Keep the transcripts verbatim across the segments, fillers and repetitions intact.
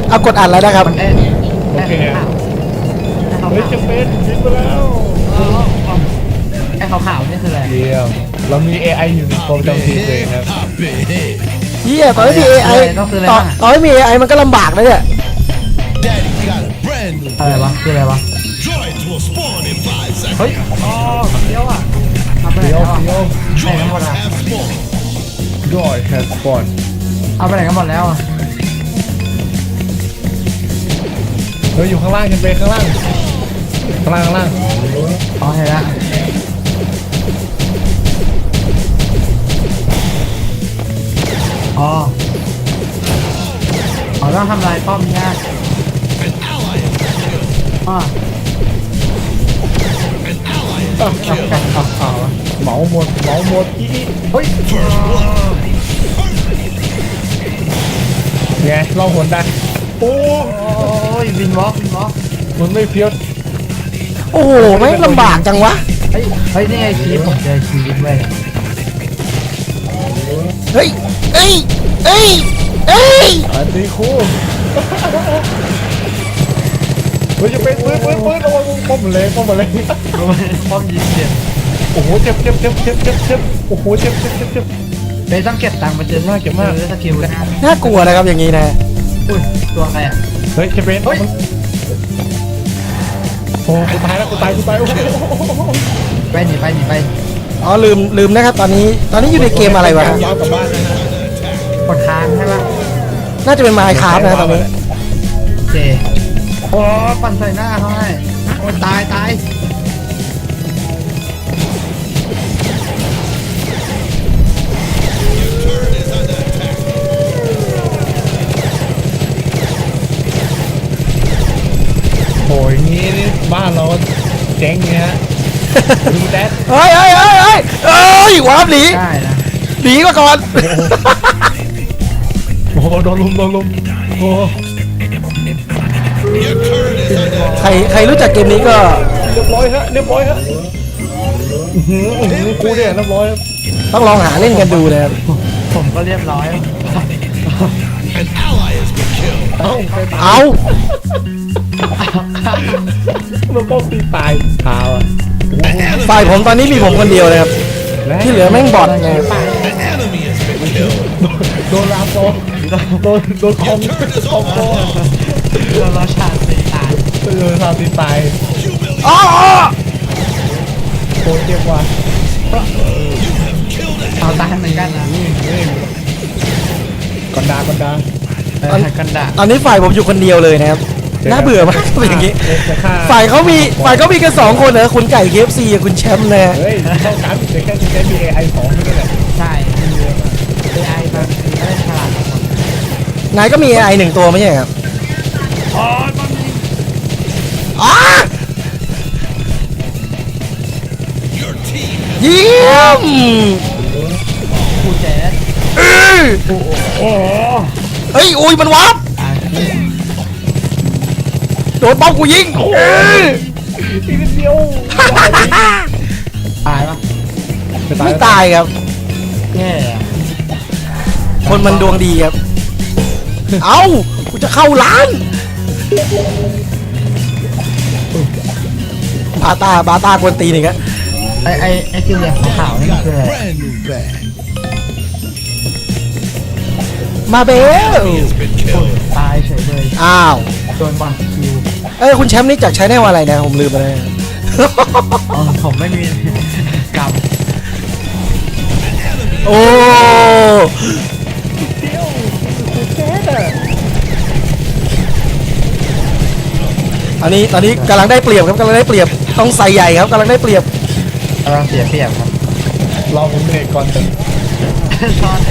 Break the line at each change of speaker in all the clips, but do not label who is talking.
เอากดอัดแล้วนะครับ
มันเอ๊ะโอเคเฮ้ยจะเป็นยิงไปแล้วไอ้ขาวๆนี่คืออะไร
เยี่ยมเรามี เอ ไอ อยู่ในโปรแกรมทีมเลยครับ
เฮียตอนไม่มี เอ ไอ ต่อตอนไม่มี เอ ไอ มันก็ลำบากนะเนี่ย
อะไรวะคืออะไรวะเฮ้ยอ๋อเดี๋ยวอ่ะทำไปไหนแล้วอ่ะไหนกันหมดอ่ะ
Joy has spawned
เอาไปไหนกันหมดแล้วอ่ะ
เฮ้ยอยู่ข้างล่างกันไปข้างล่างข้างล่างข้างล่าง
อ๋อเห็นแล้วอ๋ออ๋อต้องทำลายป้อมยากอ๋อ
เหมาหมดเหมาหมดอี
เฮ้ย
ไงลองหนได้โอ้
ยวินวอล์กวินวอล์ก
มันไม่เพี้ยน
โอ้โหไม่ลำบากจังวะ
เฮ้ยเฮ้ยนี่ไงชีวิตผมเจอชีวิตเว้ย
เฮ้ยเอ้ยเอ้ยเอ้ย
อันนี้คู่เฮ้ยจะเป็นปืนปืนปืนระวังป้อมเลยป้อมเลย
ป้อมยิงเจ็บ
โอ้โหเจ็บเจ็บเจ็บเจ็บเจ็บเจ็บโอ้โหเจ็บเจ็บเจ็บเจ็บ
เบย์ต้องเก็บตังค์มาเจอมากเก็บมากสกิลนะ
น่ากลัวนะครับอย่างนี้นะ
อุ้ยตัวใครอ่ะ
เฮ้ยจะเป็นโอ้กูตายแล้วกูตายกูตาย
ไปหนีไปหนีไป
อ๋อลืมลืมนะครับตอนนี้ตอนนี้อยู่ในเกมอะไรวะ
ย้อนกลับบ้านนะฮะ
กดค้างใช่ไหม
น่าจะเป็นไมค์คราฟนะตอนนี้
เจโอ้ปั่นใส่หน้าเขาให้โอ้ตายตาย
โอ้ยงี้นี่บ้านเราเจ๊งเงี้ยดูแดด
เฮ้ยเฮ้ยเฮ้ยเฮ้ยเฮ้ยวาร์ปหนีหนีก็ก่อน
โอ้โหโดนลุมโดนลุมโอ้
ใครใครรู้จักเกมนี้ก็
เรียบร้อยฮะเรียบร้อยฮะกูเนี่ยเรียบร้อย
ต้องลองหาเล่นกันดูนะครับ
ผมก็เรียบร้อย
เอา
เอา
เราต้องตีตายเท้าอ่ะ
ฝ่ายผมตอนนี้มีผมคนเดียวเลยครับที่เหลือแม่งบอดไง
โดนลามโดนโดนโดนคอมคอมโดน
เราเราชาตีตาย
โดนชาตีตาย
อ๋อ
โคตรเจ็บว่ะ
เอาตายเหมือนกันนะ
กันดากันดา
กันดา
ตอนนี้ฝ่ายผมอยู่คนเดียวเลยนะครับน่าเบื่อมากเป็นอย่างนี้ฝ่ายเขามีฝ่ายเขามีกันสองคนนะคุณไก่ เค เอฟ ซี กับคุณแชมป์นะ
เฮ้ยเท่ากันแต่แค่คุณแค่มี เอ ไอ สองนี่แหละ
ใช่ เอ ไอ บางทีไม่ได้ฉลาด
นายก็มี เอ ไอ หนึ่งตัวไม่ใช่ครับ
อ๋อมันมี
อ๋อเยี่ยม
กูแจ๊ด
เออ
โอ้
เฮ้ยอุ้ยมันวับโดนป้อมกูยิงเออ
ทีเดียว
ตายปะ
ไม่ตายครับ
แย่
คนมันดวงดีครับเอ้ากูจะเข้าร้านบาตาบาตากวนตีนี่ครับ
ไอไอไอสีเหลืองขาวนี่คืออะไร
มาเบล
ตายเฉยเลย
อ้าว
โดนบอลคิว
เอ้ยคุณแชมป์นี่จากใช้แนวอะไรนะผมลืมไปเลย
ผมไม่มีกรรม
โอ้ตอนนี้ตอนนี้กำลังได้เปรียบครับกำลังได้เปรียบต้องใส่ใหญ่ครับกำลังได้เปรียบ
กำลังเสียเปรียบครับ
รอผมเบรกก่อนเถอะ
ซ้อน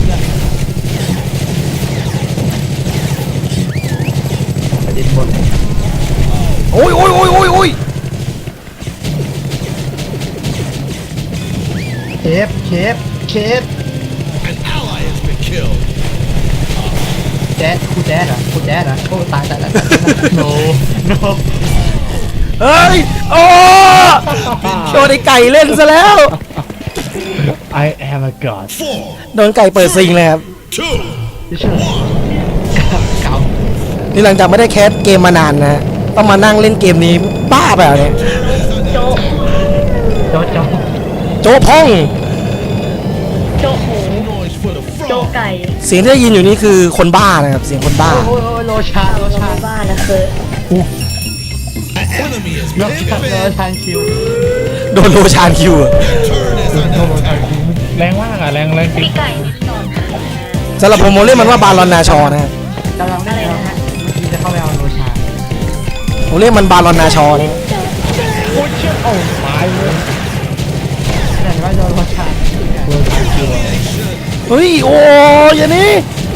ดินบน
โอ้ยโอ้ยโอ้ยโอ้ยโอ้ย
เคฟเคฟเคฟแจ๊ดคูแจ๊ดอ่ะคูแจ๊ดอ่ะโอ้ตายตายตายโนโน
เฮ้ยโอ้โดนไอ้ไก่เล่นซะแล้ว
I am a god
โดนไก่เปิดซิงเลยครับ
เก่า
นี่หลังจากไม่ได้แคสเกมมานานนะฮะต้องมานั่งเล่นเกมนี้บ้าแบบเนี่ย
โจ๊ะ
โจ๊ะโจ๊ะ
โจ๊ะพ่อง
โจ๊ะหมูโจ๊ะไก่
เสียงที่ได้ยินอยู่นี่คือคนบ้านะครับเสียงคนบ้า
โอ้ยโอ้ยโลชาโล
เรา
ชา
ไม่บ้านะคือ
โลชาโลชาคิว
โดนโลชานคิวอะ
แรงมากอ่ะแรงแรงจริง
พี่ไก่นี่สอน
สำหรับผมผมเรียกมันว่าบารอนนาชอนะฮะ
กำลังเล่นแล้วเมื่อกี้จะเข้าไปเอาโลชา
ผมเรียกมันบารอนนาชอนะ
โอ้ยเชี่ยโอ้ตายเลย
แต่ว่าโดนโลชา
โดนตายคิวอะ
เฮ้ยโอ้ยอย่างนี้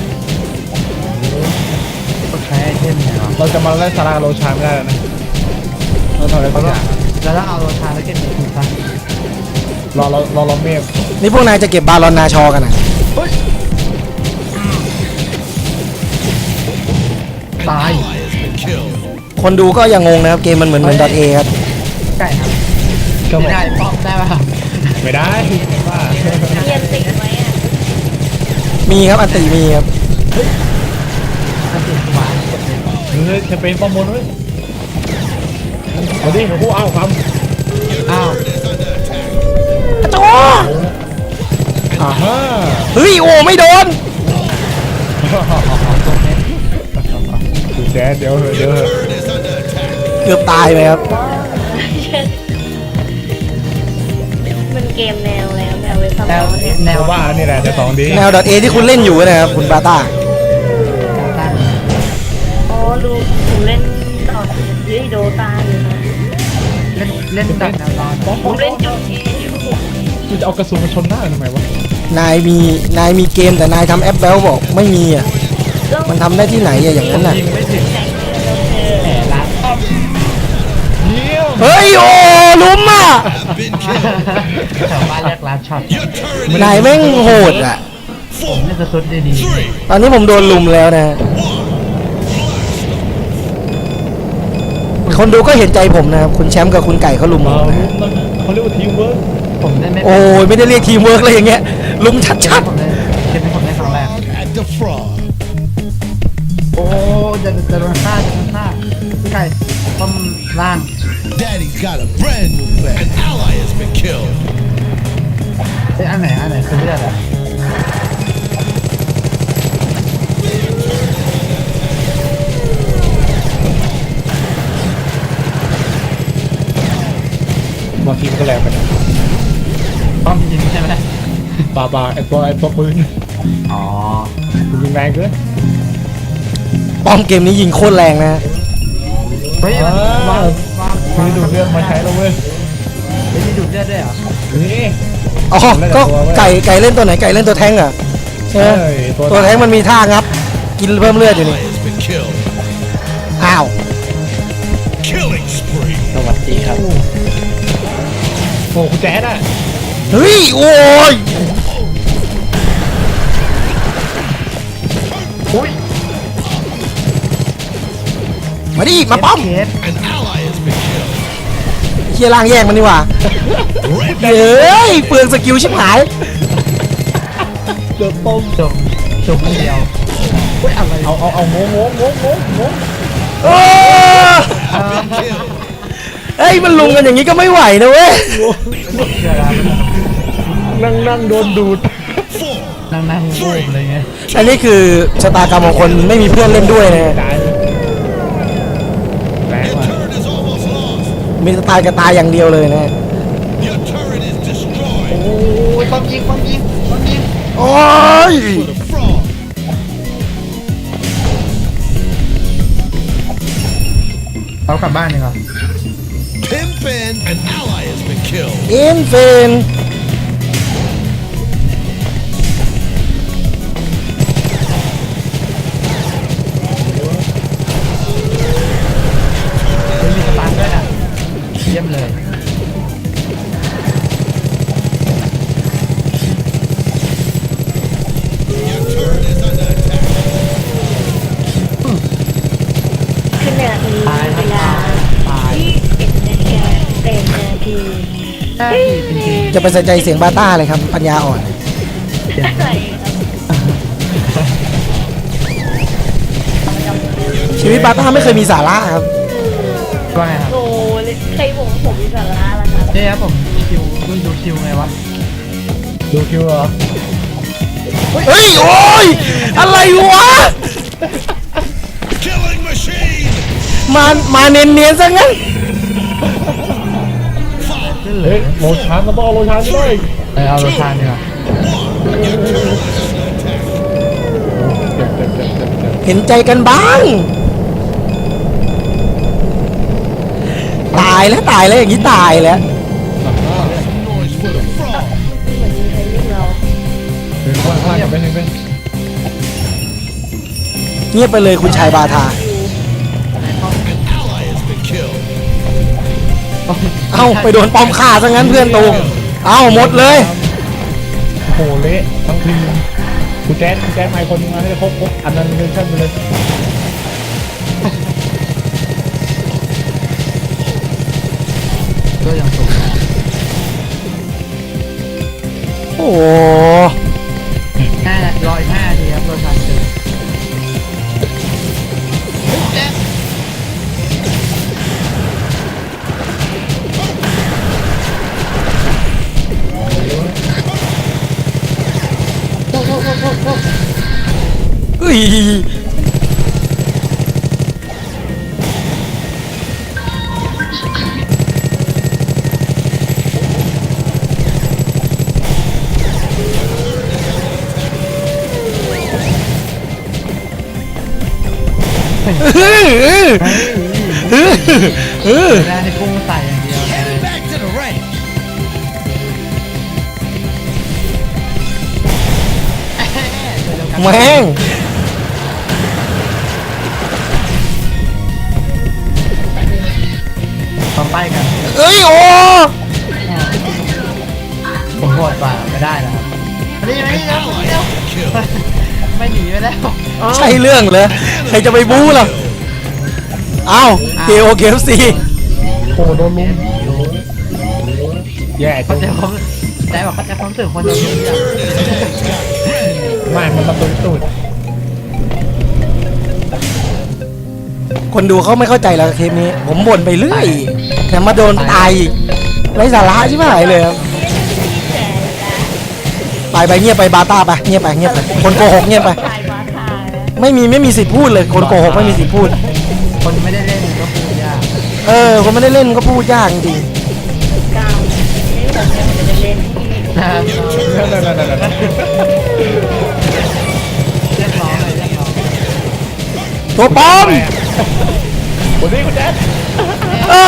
ก็ใช้ไอเทมเนี่ยเหรอ
เราจะมาไล่ซาร่าโรชาไม่ได้แล้วนะเราทำอะไรสักอย่าง
แล้วถ้าเอาโลชาแล้วเก็บเงินถูกปะ
รอเรารอเราเมฆ
นี่พวกนายจะเก็บบารอนนาชอกันนะ
ตาย
คนดูก็ยังงงนะครับเกมมันเหมือนเหมือนดอทเอครับ
ไก่ครับ
ก็บอ
ไม่
ก
ได้ป้อมได้ป่ะ
ไม่ได้ว่า
เรียนติดไหมอ่ะ
มีครับอันติมีครับ
ถ้าติดสมาร์ทกดเลย
เฮ้ยแคมเปญป้อมบนเว้ยเอาดิผู้เอาครับ
อ้าว
โจ
อ่าฮะ
เฮ้ยโอ้ไม่โดน
ดูแจ๊ดเดี๋ยวเหอะเดี๋ยวเหอะ
เกือบตายไปครับ
มันเกมแนวแล้วแนวเว็บสม
แนว
องเนี่ย
แน
แน
ว
วบ้านี่แหละจะสองดี
แนวดอทเอที่คุณเล่นอยู่นะครับคุณปาต้า
ตั้ง
อ๋อดูหนูเล่นต่อยืดโดตาอยู่นะ
เล่นเล่นแบบแนวร้อน
ป้อม
ผ
ป้อ
ม
ม
เล่นโจ๊ะเออยู่
กูจะเอากระสุนมาชนหน้าทำไมวะ
นายมีนายมีเกมแต่นายทำแอปแบลบอกไม่มีอ่ะ
แล้ว
มันทำได้ที่ไหนอะอย่างนั้นน่ะ
ยิงไม่ถึง
แต่งเออ
แหมละ
เยี่ยม
เฮ้ยโอ้ลุ้มอ่ะ
แถวบ้านเรียกร้านช็อต
นายแม่งโหดอ่ะ
ผมเล่นสซุดดี
ตอนนี้ผมโดนลุมแล้วนะ คนดูก็เห็นใจผมนะครับคุณแชมป์กับคุณไก่เขาลุมผ
เอ
ม
อ
นะฮะ
นั่นเขาเรียกว่าทีมเวิร์ก
ๆผมเล่นไม่
โอ้ยไม่ได้เรียกทีมเวิร์กเลยอย่างเงี้ยลุมชั
เกม
ด
ผมเล่นเกมที่ผมเล่นครั้งแรก
at the frog.
โอ้จะจะโดนฆ่าจะโดนฆ่าพี่ไก่ต้มล่าง
Daddy's got a brand new pet. An ally has been killed.
ไอ้ยอันไหนอันไหนคือเลือดอะ
บางทีมันก็แรงไปนะ
ต้มจริงใช่ไหม
ปาปาไอตัวไอตัวปืน
อ๋อ
ปืนยิงแรงเกิน
ๆป้อมเกมนี้ยิงโคตรแรงนะฮะ
เฮ้ยมันวางวาง
มีดูดเลือดมาใช้แล้วเว้ย
เฮ้ยมีดูดเลือดด้วยเหรอ
นี่
อ๋อก็ไก่ไก่เล่นตัวไหนไก่เล่นตัวแท้งอ่ะใช่ไหม
เอ้ยตัว
ตัวแท้งมันมีท่างับ กินเพิ่มเลือดอยู่นี่
Ally has been killed.
อ้าว
Killing spree.
สวัสดีครับ
โอ้คุณแจ๊ดอ่ะ
เฮ้ยโอ้ย
อุ้ย
มาดิมาป้อม
เคส
An ally has been killed.
เคียร่างแยกมันนี่หว่า
Red
เฮ้ยเปลืองสกิลชิบหาย
เดือดต้ม
จบจบคนเดียวเฮ้ยอะไร
เอาเอาเอางงงงงงงงง
โอ้
been killed.
เฮ้ยมันลุมกันอย่างนี้ก็ไม่ไหวนะเว้ย
เชื่อแล้ว
นั่งนั่งโดนดูด
Four.
นั่งนั่งรูปอะไรเงี้ย
อันนี้คือชะตากรรมของคนไม่มีเพื่อนเล่นด้วยนะ
ตายเลยแรง
Your
ว่ะ
turret is almost lost.
มีสไตล์กระตายอย่างเดียวเลยนะ
Your turret is destroyed.
โอ้ยป้อมยิงป้อมยิงป้อมยิง
โอ้ย
For the frog.
เขากลับบ้านดีกว่า
Pimpin. An ally has been killed.
อินเฟน
เฮ้ยมีสตาร์ทด้วยอ่ะเยี่ยมเลย
Your turret is under attack.
ขณะนี้
ตายครับ
เวลา
ตาย
ยี่สิบเอ็ดนาฬิกาแปดนาที
ใช่จริง
จะไปใส่ใจเสียงบาต้าเลยครับปัญญาอ่อน
ใส่ครับ
ชิชีวิตบาต้าไม่เคยมีสาระครับ
ว่าไงครับ
โอ้ยใครบอกว่าผมมีสาระล่ะครับ
นี่ครับผมคิวดูดูคิวไงวะดูคิวเหรอ
เฮ้ยโอ้ยอะไรวะ
Killing machine.
มามาเนียนๆซะงั้น
เฮ้ยโลชานก็ต้องเอาโลชานด้วย
เออเอารถทานดีกว่า
เห็นใจกันบ้าง ตายแล้วตายแล้วอย่างนี้ตายแล้ว
Noise for the frog.
เหมือนมีใครเรียกเรา
เป็นข้างล่างกับเป็นเป็น
เงียบไปเลยคุณชายบาทา
An ally has been killed.
เอ้าไปโดนปอมฆ่าซะงั้นเพื่อนตูเอ้าหมดเลย
โอ้โหเละทั้งทีมคุณแจ๊ดคุณแจ๊ดมาคนนึงมาให้ครบครบอันนั้นเป็นขั้นไปเลย
ก็ยังสูง
โอ้โห
น่าจะรออีกห้าทีครับรถทานเจอ
อุ้ยเออ
แรกที่พุ่งใส่อย่างเดียว
Heading back to the rank.
แม่ง
ต้องไปกัน
เอ้ยโอ้
ผมโหดกว่าไม่ได้นะครับนี่ไม่ได้
Ally has been killed.
ไม่หนีไปแล้ว
ใช่เรื่องเหรอใครจะไปบู๊ล่ะเอ้าเกโอเคฟซี
โอ้โดนลุมแย่
เขา
จัง
จะพร้อมแต่บอกเขาจะพร้อมสื่อคนเดียว
ไม่มันมาตุนตูด
คนดูเขาไม่เข้าใจแล้วเทปนี้ ผมบ่นไปเรื่อยแต่มาโดนตายอีกไร้สาระใช่ไหมเลยครับไปไปเงียบไปบาต้าไปเงียบไปเงียบไปคนโกหกเงียบไป
ชายบาทานะ
ไม่มีไม่มีสิทธิ์พูดเลยคนโกหกไม่มีสิทธิ์พูด
คนไม่ได้เล่นก็พูดยาก
เออคนไม่ได้เล่นก็พูดยากจริง
กาวนี่ผมยังไม่ได้เล่น
นะครับ
นั่นนั่นนั่นนั่น
เรียกร้องเลยเรียกร้อง
ๆตัวปลอม
วันนี้คุณแจ๊ด
อ้า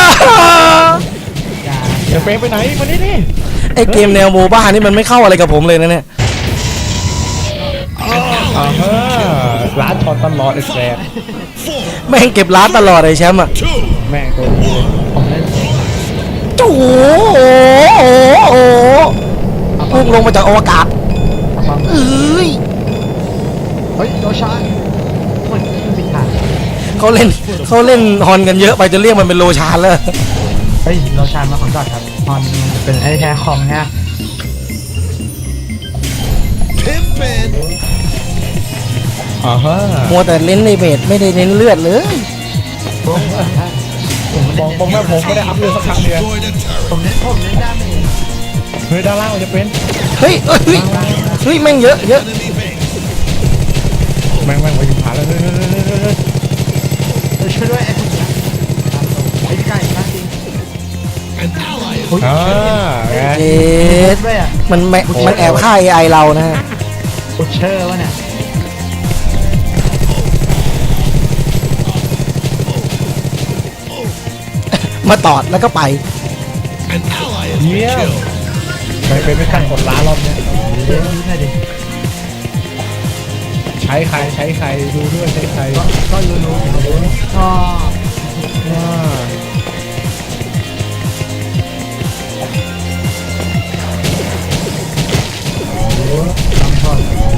อย่า
เดี๋ยวเฟรมไปไหนมานี่นี่
ไอเกมแนวโมบ้านี่มันไม่เข้าอะไรกับผมเลยนะเนี่ย
อ่าฮะร้านช็อตตลอดไอ้แซ่บ
Four,
แม่งเก็บร้านตลอดไอแชมป์อ่ะ
two,
แม่งตัวนี้เลย
ผมเล่น
โอ้โหโอ้โหพุ่งลงมาจากอวกาศ
ฟัง
เอ้ย
เฮ้ยโดชานมันปิดทาง
เขาเล่นเขาเล่นฮอนกันเยอะไปจะเรียกมันเป็นโลชานแล้ว
เฮ้ยโดชานมาของดอทครับฮอนเป็นไอ้แค่คอมฮะ
pimpin'.
อ่าฮะ
มัวแต่เล่นในเบสไม่ได้เน้นเลือดเลย
ผมผม
บอกบอกแม่ผมไม่ได้อัพเรือสักครั้งเดียว
Destroy the turret.
ผมเล่นผมเล่นด้ามเอง
เฮ้ยด้านล่างมันจะเป็น
เฮ้ยเอ้ยเฮ้ยเฮ้ยแม่งเยอะเยอะ
Enemy base.
แม่งแม่งไปอยู่ผ่านแล้วเฮ้ยเฮ้ยเฮ้ยเฮ้ยเฮ้ย
เออช่วยด้วยไอ้ผมนะไอ้ไก่มากจริง
An ally has
อ่าไง
เจ็ด
ด้วยอ่ะ
มันแมมันแอบฆ่า เอ ไอ เรานะฮะ
บุชเชอร์วะเนี่ย
มาตอดแล้วก็ไป
an ally has
เยี่
been
ยม
killed.
ไปเป็นไม่ทันกดล้านรอบเนี้ย
เล่นนี้หน่อยดิ
ใช้ใครใช้ใครดูด้วยใช้ใคร
ก็ก็รู้รู้ก็
อ่า
ต้องชอบ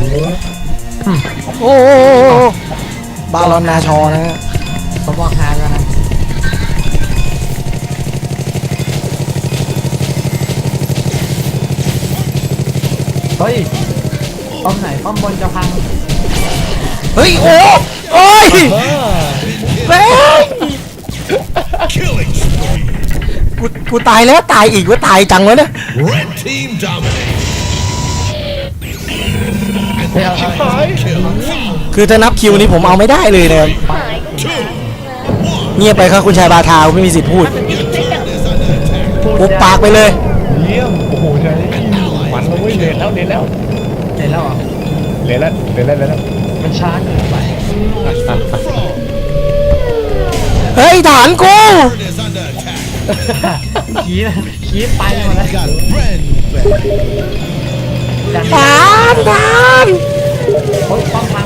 โอ้โหบาลอนนาชอนะฮะ
ผมบอกฮาแล้วนะเฮ้ยป้อมไหนป้อมบนจะพัง
เฮ้ยโอ้โอ้ย
เออ
แม่ง
Killing spree.
กูกูตายแล้วตายอีกว่าตายจังวะเนี่ย
Red team dominates.
เฮ้ยเอาเอา
Kill.
คือถ้านับคิวนี้ผมเอาไม่ได้เลยนะครับ
หายก็หาย
เงียบไปครับคุณชายบาทาไม่มีสิทธิ์พูด
Is under attack.
ปุบปากไปเลย
เยี่ยมโอ้โหใช่มันเลยเว้ยเลนแล้วเลนแล้ว
เห็นแล้วเหรอ
เลนแล้วเลนแล้วเลนแล้ว
มันช้าเกินไป
เฮ้ยฐานกู
Bird is under attack.
ขี้ขี้ไปหมดแล้ว
Got a brand new bag.
ดัน
ฐานฐาน
โอ้ยป้องพัง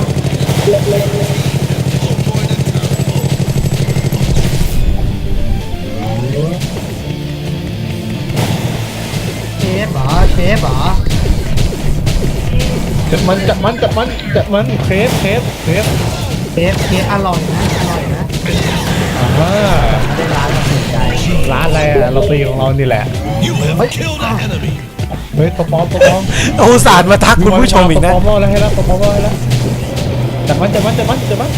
เชฟเหรอเชฟเหรอ
จับมันจับมันจับมันจับมันเคสเคสเคส
เชฟเชฟอร่อยนะอร่อยนะ
อ่า
ได้ร้านมาสนใจ
ร้านอะไรอะเราตีของเรานี่แหละ
You have killed an enemy.
เฮ้ยตัวปลอมตัวปลอม
โอ้ศาสตร์มาทักคุณผู้ชมอีกนะ
ตัวปลอมรอดแล้วให้แล้วตัวปลอมรอดให้แล้วจับมันจับมันจับมันจับมัน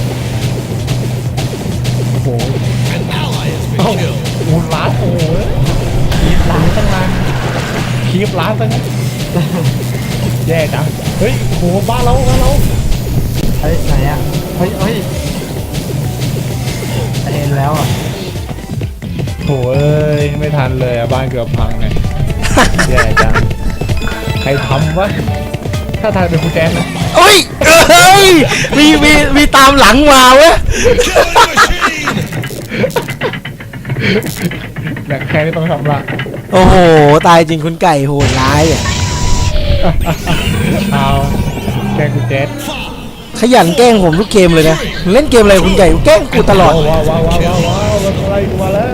โอ้โห
An ally has
เอ้า
been killed.
โอ้ร้านโอ้โหคีบร้านตั้งนานคีบร้านตั้งนานแย่จังเฮ้ยโอ้โหบ้านเราบ้านเรา
เฮ้ยไหนอ่ะเฮ้ยเฮ้ยเห็นแล้วอ่ะ
โถ่เอ้ยไม่ทันเลยอะบ้านเกือบพังไงแย่จังใครทำวะถ้าทางเป็นคุณแจ๊คนะ
เอ้ยเอ้ยมีมีมีตามหลังมาเว้ย
Killing machine.
แหละแค่นี้ต้องทำละ
โอ้โหตายจริงคุณไก่โหดร้ายอ่ะ
เอาแกล้งคุณแจ๊ค
ขยันแกล้งผมทุกเกมเลยนะเล่นเกมอะไรคุณไก่แกล้งกูตลอด
ว้าวว้าวว้าวว้าวว้าวมันอะไรกูมาแล้ว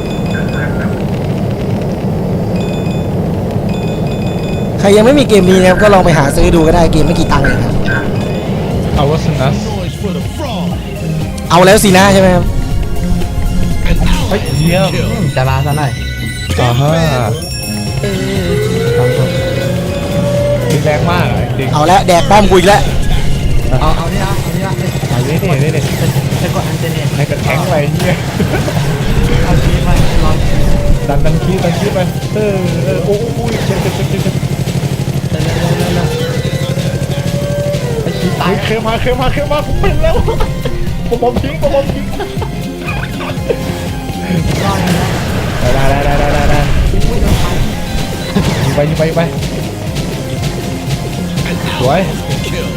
ใครยังไม่มีเกมนี้นะครับก็ลองไปหาซื้อดูก็ได้เกมไม่กี่ตังค์เองครับ
เอาวัสนัส
Noise for the frog.
เอาแล้วสินะใช่ไหมครับ
An ally
เยี่ยม
killed.
จะร้านซะหน่อย
อ่าฮะ
ทำถูก
มีแรงมากอะจริง
เอาแล้วแดกป้อมกูอีกแล้ว
เอาเอานี่นะเอานี่นะ
ๆเอาเล่นเล่นเล่น
จะกดอันเจเน็ต
ให้กระแทงไปเฮีย
เอาชีสมาลอง
ดันดันคีดันคีไปเออเออโอ้โหเจ็บเจ็บเจ็บเจ็บ
เร็วเร็วเร็วเร็วไปชีสตาย
เคยมาเคยมาเคยมาผมเป็นแล้วผมบอมทิ้งผมบอมทิ้ง
รอดนะ
ได้ได้ได้ได้ได้ได้
อุ้ยโดนไป
ยิงไปยิงไปยิงไป
An
What?
ally has been killed.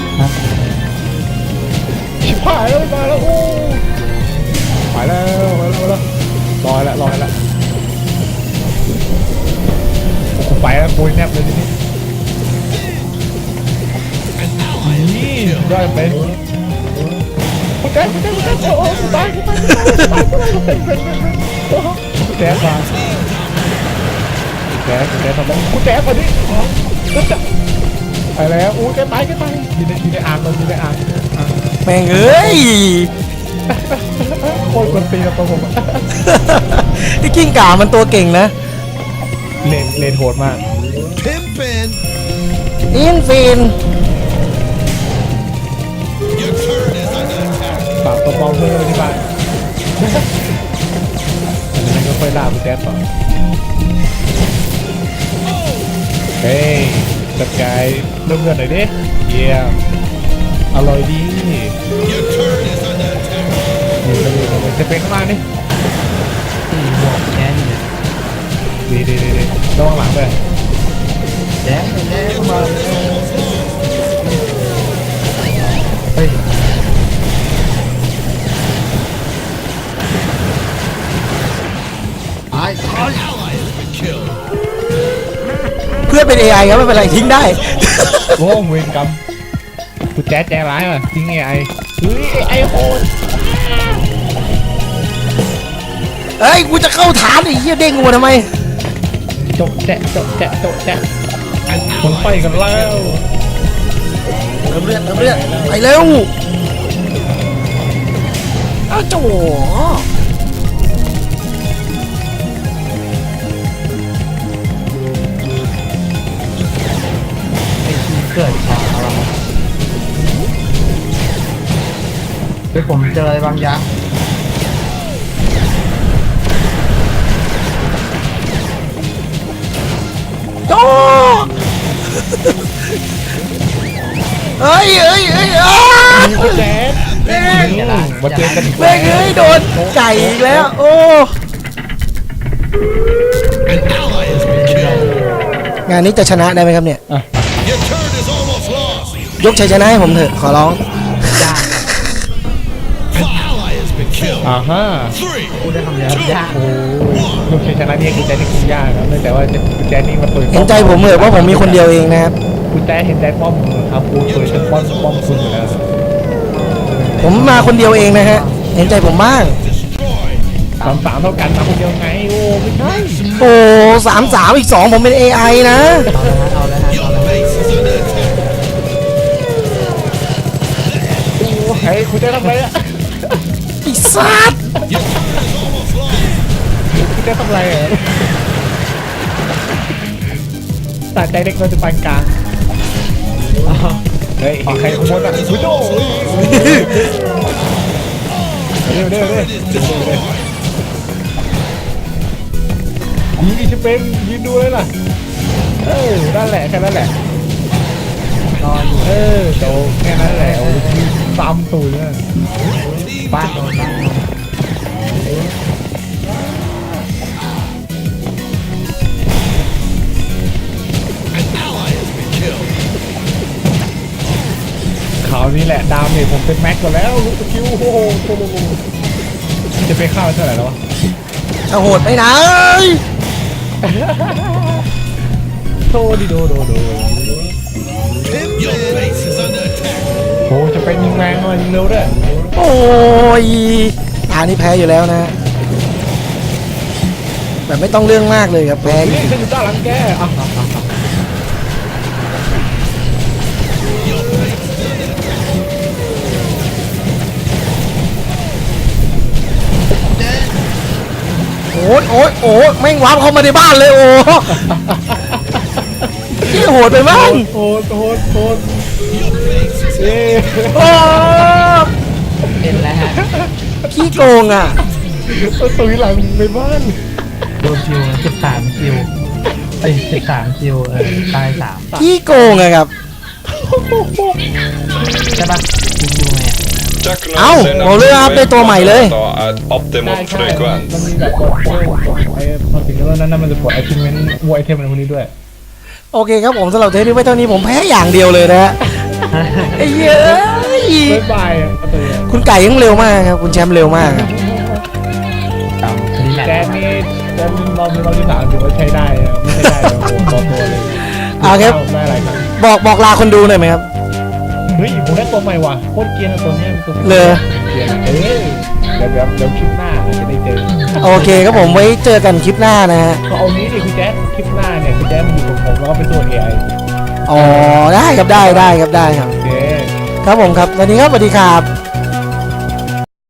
ชิบหายแล้วมาแล้วโอ้ไปแล้วไปแล้วไปแล้วลอยแล้วลอยแล้วโอ้โหไปแล้วปุยแนบเลยทีนี้
An ally has
นี่
been killed.
ได้เป็นคุณแจ๊คคุณแจ๊คคุณแจ๊คโอ้โหตายตายตายตายเป็นเป็นเป็นคุณแจ๊คมาคุณแจ๊คคุณแจ๊คทำไมคุณแจ๊คมาดิก็จะไปแล้วอู้แกตายแกตายอยู่ในอยู่ในอ่างเราอยู่ในอ่าง
แม่งเอ้ย
โคตรกวนตีนกับตัวผม
ไอ้กิ้งก่ามันตัวเก่งนะ
เลนเลนโหดมาก
Pimpin'.
อินฟิน
Your turret is under attack.
ฝากตัวปลอมเพื่อนไว้ที่บ้านอันนั้นก็ค่อยล่าคุณแจ๊คต่อเฮ้ยจัดการเริ่มเงินหน่อยดิเยี่ยมอร่อยดี
Your turret is under attack.
อยู่กันอยู่กันจะเป็นข้างล่างนี่
สี่บวกแค่นี้
ดีดีดีดีระวังหลังด้วย
แจ๊แจ๊เข้ามาเฮ้ยไอ้
An ally has been killed.
เพื่อนเป็น เอ ไอ ครับไม่เป็นไรทิ้งได้
โอ้เวรกรรมคุณแจ๊คแจ๊ร้ายว่ะจริงไงไอ้เฮ้ยไอ้โหด
เอ้ยกูจะเข้าฐานไอ้เหี้ยเด้งกูมาทำไม
จบแจ๊จบแจ๊จบแจ๊คนไปกันแล้ว
เติมเลือดเติมเลือดไปเร็วอ้าวโจ๋
ไอ้ชีเกิดช้าเราเฮ้ยผมเจออะไรบางอย่าง
โตเฮ้ยเฮ้ยเฮ้ยอ้า
แจ๊ดมาเจอกันอีก
แม่งเอ้ยโดนไก่อีกแล้วโอ้
An ally has been killed.
งานนี้จะชนะได้ไหมครับเนี่ย
Your turn is almost lost.
ยกชัยชนะให้ผมเถอะขอร้อง
An ally has been killed.
อ่าฮะ
Three,
โอ้ลูกชัยชนะนี่คุณแจ๊ดนี่คุณยากครับเนื่องจากว่าคุณแจ๊ดนี่มาเปิด
เห็นใจผมเถอะว่าผมมีคนเดียวเองนะครับ
คุณแจ๊ดเห็นใจป้อมครับคุณเปิดจนป้อมป้อมคุณอยู่แล้ว
ผมมาคนเดียวเองนะฮะเห็นใจผมบ้าง
destroyed.
สามสามเท่ากันมาคนเดียวไงโอ้ไม่ใช่
โอ้สามสามอีกสองผมเป็น เอ ไอ นะ
Your base is under attack.
โอ้ยคุณแจ๊ดทำอะไรอ่ะ
ไอ้สัตว์
Your turn is almost lost.
คุณแจ๊ดทำอะไรอ่ะตัดใจเด็กเราจะปานกลางเฮ้ยใครขโมยอ่ะคุณโจ้เร็วเร็วเร็ว
Is destroyed.
ยิงอีชเป็นยืนดูเลยล่ะเออนั่นแหละแค่นั้นแหละนอนเออโตแค่นั้นแหละโอ้ยซ้ำตูดเลยบ้านโดนบ้าน
An ally has been killed.
ข่าวนี้แหละดามเนี่ยผมเป็นแม็กกว่าแล้วลูกสกิลโอ้โหโอ้โหจะไปเข้าเท่าไหร่แล้ววะ
จะโหดไปไหน
โตดิโดโดโด
Your base is under attack.
โอ้จะเป็นยิงแรงเลยยิงเร็วด้วย
โอ้ยอันนี้แพ้อยู่แล้วนะ แบบไม่ต้องเรื่องมากเลยครับแพ้
นี่ฉันอยู่ด้านหลังแกอ่ะ
โอ้ยโอ้ยโอ้ยแม่งวาร์ปเข้ามาในบ้านเลยโอ้ที่โหดไปบ้าง
โหดโหดโหด
Your base is
เย้
โอ้
เป็นแล้วฮะ
ขี้โกงอ่ะ
ตุยหลังไปบ้าน
โดนคิวสิบสามคิวเอ้ยสิบสามคิวเออตายสาม
ขี้โกงอะครับ
ใช่ปะคิวคิวไงอะ
เอ้าผมเลยอัพได้ตัวใหม่เลย
Optimum
ได้ใช่มัน
frequent.
มีแบบกดเพิ่มไอ้พอถึงแล้วนั้นมันจะกดไอทิเมนต์วัวไอเทมอะไรพวกนี้ด้วย
โอเคครับผมสำหรับเทปนี้ไว้เท่านี้ผมแพ้อย่างเดียวเลยนะฮะไอ้เหี้ยเอ้ย
บ๊ายบายอ่ะตัว
คุณไก่ยังเร็วมากครับคุณแชมป์เร็วมากครับ
ตามคดีแหละ
แจ๊ดนี่แจ๊ดรอบนี้รอบที่สามถือว่าใช้ได้นะไม่ใช่ได้เลยโอ้โหตัวตัวเลย
เอาครับ
ได้อะไรครับ
บอกบอกลาคนดูหน่อยไหมครับ
เฮ้ยผมได้ตัวใหม่ว่ะโคตรเกรียนอะตัวเนี้ยเป็นตัว
เลย
เกรียนอะเออเดี๋ยวเดี๋ยวเดี๋ยวคลิปหน้าอาจจะได้เจอ
โอเคครับผมไว้เจอกันคลิปหน้านะฮะ
ก็เอานี้ดิคุณแจ๊ดคลิปหน้าเนี่ยคุณแจ๊ดมันอยู่กับผมแล้วก็เป็นตัว เอ ไอ
อ๋อได้ครับได้ได้ครับได้ครับ
โอเค
ครับผมครับวันนี้ครับสวัสดีครับ